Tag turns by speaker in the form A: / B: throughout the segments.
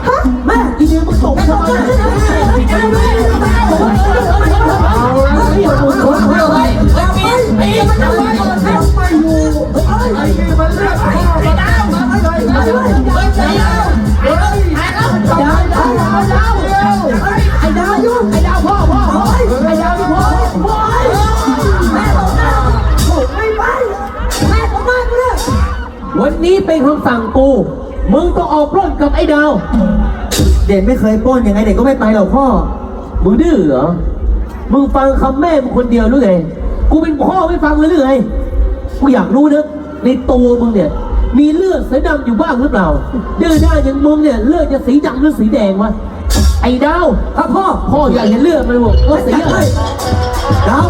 A: แม่อีเดียมึงตกทำไมวันนี้เป็นคำสั่งกูมึงต้องออกปล้นกับไอ้ดาวเด่นไม่เคยปล้นยังไงเด่นก็ไม่ไปหรอกพ่อมึงดื้อเหรอมึงฟังคำแม่มึงคนเดียวหรือไงกูเป็นพ่อไม่ฟังเลยหรือไงกูอยากรู้นะในตัวมึงเนี่ยมีเลือดสีดำอยู่บ้างหรือเปล่าดื้อได้อย่างมึงเนี่ยเลือดจะสีดำหรือสีแดงวะไอ้ดาวครับพ่ออยากเห็นเลือดมันบอกว่าสีอะไรดาว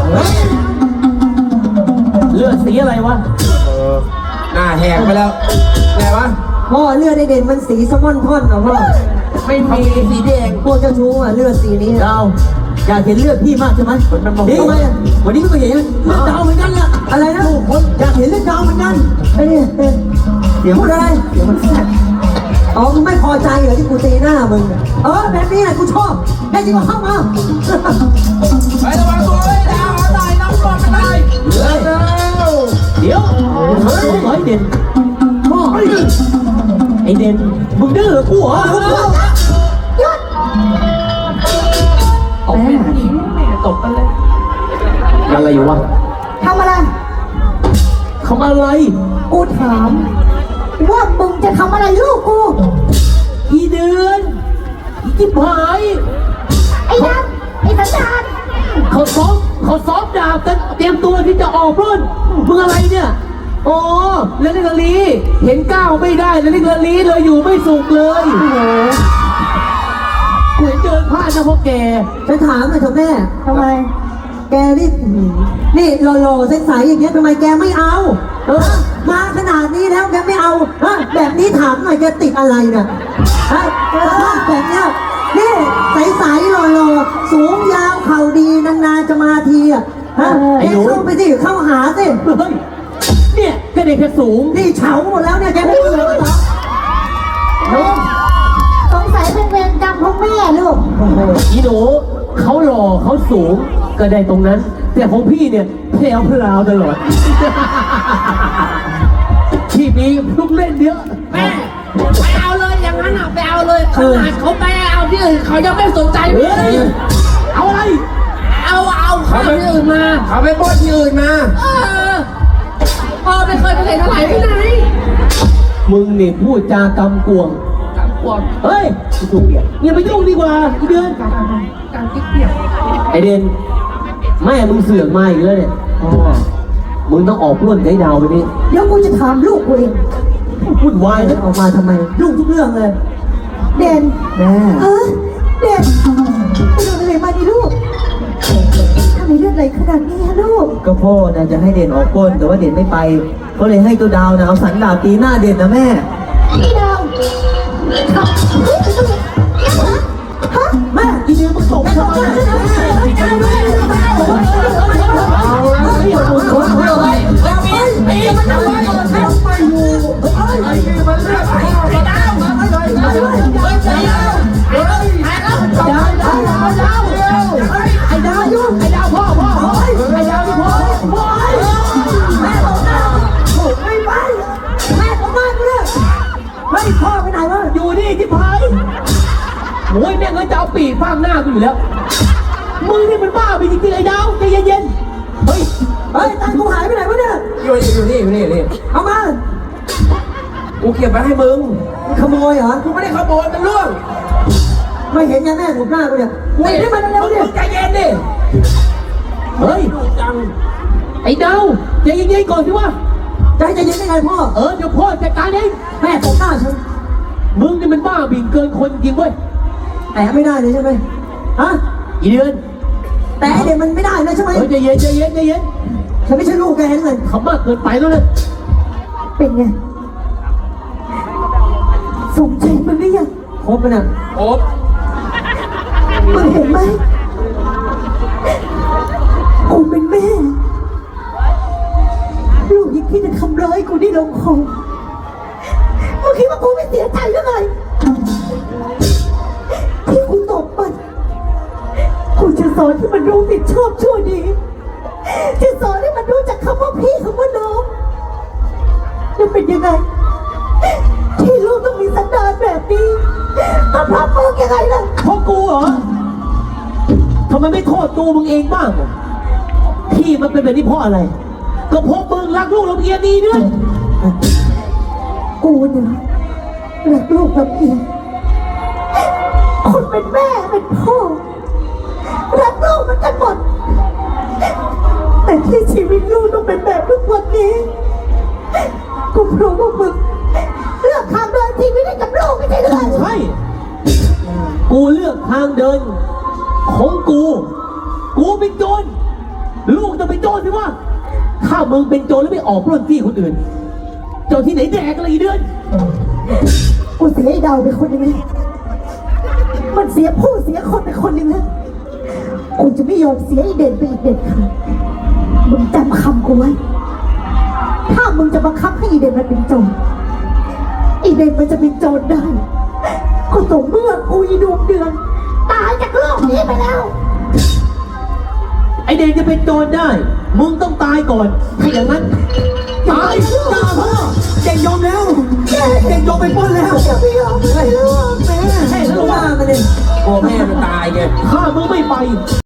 A: เลือดสีอะไรวะ
B: หน้าแหกไปแล้วไงวะ
A: พ่อเลือดได้เด่นมันสีสมอนท่อนเหรอพ่อ
B: ไม่มีสีแดง
A: พวกเจ้าชู้อ่ะเลือดสีนี้ดาวอยากเห็นเลือดพี่มากใช่ไหมนี่ไงวันนี้ก็เห็นเลือดดาวเหมือนกันล่ะอะไรนะอยากเห็นเลือดดาวเหมือนกันไอ้นี่เสียงพูดอะไรเสียงมันแซ่บอ๋อมึงไม่พอใจเหรอที่กูตีหน้ามึงแบบนี้แหละกูชอบแค่จริงก็เข้ามา
B: ไประวังตัวเลยดาวตายน้องบอกไม่ได้
A: เดี๋ยวไอ้เด่นพ่อไอ้เด่นมึงดื้อกูเหรอหยุดแม่ตบกันเลยอะไรอยู่วะ
C: ทำอะไรกูถามว่ามึงจะทำอะไรลูกกู
A: อีเดือนอีจิ๊บหาย
C: ไอ้นัทไอ้สันดาน
A: เขาซ้อมดาบกันเตรียมตัวที่จะออกรุ่นมึงอะไรเนี่ยอ๋อแล้วนี่กะลีเห็นก้าวไม่ได้แล้วนี่กะลีเลยอยู่ไม่สุขเลยกูเห็นเดินพลาดนะพวกแกฉันถามหน่อยเถอะแม่
C: ทำไม
A: แกนี่หล่อๆใสๆอย่างเงี้ยทำไมแกไม่เอามาขนาดนี้แล้วแกไม่เอาแบบนี้ถามหน่อยแกติดอะไรเนี่ยแบบเนี้ยนี่ใสๆหล่อๆสูงยาวเข่าดีนานๆจะมาทีอ่ะแกเข้าไปสิเข้าหาสิเนี่ยแกเด็กแค่สูงนี่เฉาหมดแล้วเนี่ยแกไม่เหลือหรอ
C: สงสัยเป็นเวรกรรมของแม่ลูก
A: อีหนูเขาหล่อเขาสูงก็ได้ตรงนั้นแต่ของพี่เนี่ยเพลวพลาวตลอดที่มีลูกเล่นเยอะ
B: แม่ไปเอาเลยอย่างนั้นอ่ะไปเอาเลยขนาดเขาไปเอาที่อื่นเขายังไม่สนใจเลย
A: เอาอะไร
B: เอาเขาไปที่อื่นมาเขาไปป้อนที่อื่นมา
C: พ่อไม่เคยไปไหนเท่าไหร่ที่ไหน
A: มึงนี่พูดจากำกวงเฮ้ยยุ่งเดียวอย่าไปยุ่งดีกว่าอีเดือน
C: การกิ๊กเดียว
A: ไอเดนแม่มึงเสือกมาอีกแล้วเนี่ยมึงต้องออกร่วนไกด์ดาวไปนี่
C: เดี๋ยวกูจะถามลูกกูเอง
A: พูดวายนะออกมาทำไมลูกทุกเรื่องเลย
C: เด่น
A: แม่
C: เด่นไปโดนอะไรมาดิลูกทำไมเลือดไหลขนาดนี้ฮะลูก
A: ก็พ่อนะจะให้เด่นออกปล้นแต่ว่าเด่นไม่ไปก็เลยให้ตัวดาวนะเอาสันดาบตีหน้าเด่นนะแม่
C: ไอ้ดาว
A: แม่อีเดียมึงตกทำไมพ่อไปไหนวะอยู่นี่ที่พายโอ้ยแม่งเลยจะเอาปีกฟาดหน้ากูอยู่แล้วมึงนี่มันบ้าไปจริงๆไอ้ดาวใจเย็นๆเฮ้ยตังกูหายไปไหนวะเนี่ย
B: อยู่นี่
A: เอามา
B: กูเก็บไว้ให้มึง
A: ขโมยเหรอ
B: กูไม่ได้ขโมยมันล่วง
A: ไม่เห็นไงแม่ผมหน้ากูเนี่ยเฮ้ยนี่มันเร็วเนี่ย
B: ใจเย็นดิ
A: เฮ้ย
B: จัง
A: ไอ้ดาวใจเย็นๆก่อนสิวะใจเย็นได้ไงพ่อเดี๋ยวพ่อจัดการเองแม่ตบหน้าฉันมึงนี่มันบ้าบิ่งเกินคนจริงเว้ยแต่ไม่ได้เลยใช่ไหมฮะอีเดือนแต่เด็กมันไม่ได้นะใช่ไหมใจเย็นฉันไม่ใช่ลูกแกเลยขำมากเกินไปแล้วนะ
C: เป็นไงสมใจมันไม่ยัง
A: ครบไปนะ
B: ครบ
C: มึงเห็นไหมกูเป็นแม่ลูกยังคิดจะทำร้ายกูได้ลงคอมึงคิดว่ากูไม่เสียใจหรือไงรู้ผิดชอบชั่วดีจะสอนให้มันรู้จักคำว่าพี่คำว่าน้องจะเป็นยังไงที่ลูกต้องมีสันดานแบบนี้มาพรับมึงยังไงล่ะ
A: เพราะกูเหรอทำไมไม่โทษตัวมึงเองบ้างอะที่มันเป็นแบบนี้เพราะอะไร ก็เพราะมึงรักลูกลำเอียงดีด้วย
C: กูเนี่ยรักลูกแบบเอียงคนเป็นแม่เป็นพ่อรักลูกเหมันกันหมดแต่ที่ชีวิตลูกต้องเป็นแบบทุกวันนี้กูเพราะว่ามึงเลือกทางเดินที่ไม่ได้กับลูกไม่ใช่หรือ
A: ใช่ กูเลือกทางเดินของกู กูเป็นโจร ลูกจะเป็นโจรสิวะถ้ามึงเป็นโจรแล้วไม่ออกปล้นที่คนอื่นโจรที่ไหนแดกอะไรอีเดือน
C: กูเสียไอ้ดาวไปคนหนึงเลยมันเสียผู้เสียคนไปคนหนึ่งนะกูจะไม่ยอมเสียไอ้เด่นไปอีกเด็ดขาดมึงจำคำกูไว้ถ้ามึงจะบังคับให้ไอ้เด่นมันเป็นโจรไอ้เด่นมันจะเป็นโจรได้ก็ต่อเมื่อกูอีดวงเดือนตายจากโลกนี้ไปแล้ว
A: ไอเดนจะเป็นโจรได้ มึงต้องตายก่อน ถ้าอย่างนั้น ตายจ้าพ่อเด็กยอมแล้ว เด็กยอมไปปล้นแล้ว
C: อย่าไปยอมเลยลูกแม่
A: แค่นั้นหรอวะ
B: โอ้แม่มันตายไง
A: ถ้ามึงไม่ไป